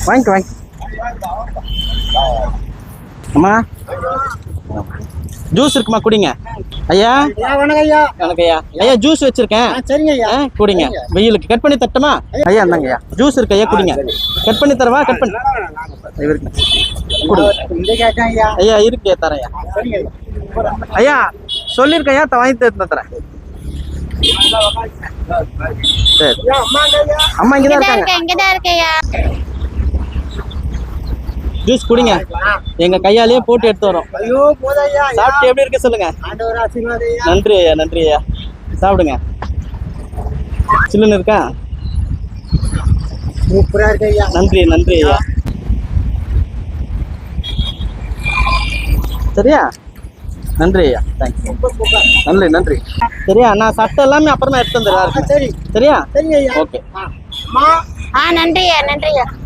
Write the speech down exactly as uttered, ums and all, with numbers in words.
வாங்கிக்க வாங்கி அம்மா ஜூஸ் இருக்குமா குடிங்க ஐயா. வணக்கம் ஐயா. வணக்கம் ஐயா. ஐயா ஜூஸ் வச்சிருக்கேன். சரிங்க ஐயா. குடிங்க வெயிலுக்கு. கட் பண்ணி தட்டுமா ஐயா? இந்தாங்க ஐயா ஜூஸ் இருக்கு ஐயா, குடிங்க. கட் பண்ணி தரவா? கட் பண்ணி குடிங்க ஐயா. இருக்கு தரேன் ஐயா. சொல்லியிருக்கேன் ஐயா, வாங்கி தரேன். சரி அம்மா இங்கதான் இருக்காங்க. ஜூஸ் குடிங்க. எங்க கையாலேயே போட்டு எடுத்து வரோம். சாப்பிட்டு எப்படி இருக்கு சொல்லுங்க. நன்றி ஐயா, நன்றி ஐயா. சாப்பிடுங்க. சில்லுன்னு இருக்கா? நன்றி நன்றி ஐயா. சரியா? நன்றி ஐயா, தேங்க்யூ. நன்றி நன்றி. சரியா, நான் சட்டை எல்லாமே அப்புறமா எடுத்து வந்துடுறேன். சரியா? ஓகே. நன்றி ஐயா, நன்றி ஐயா.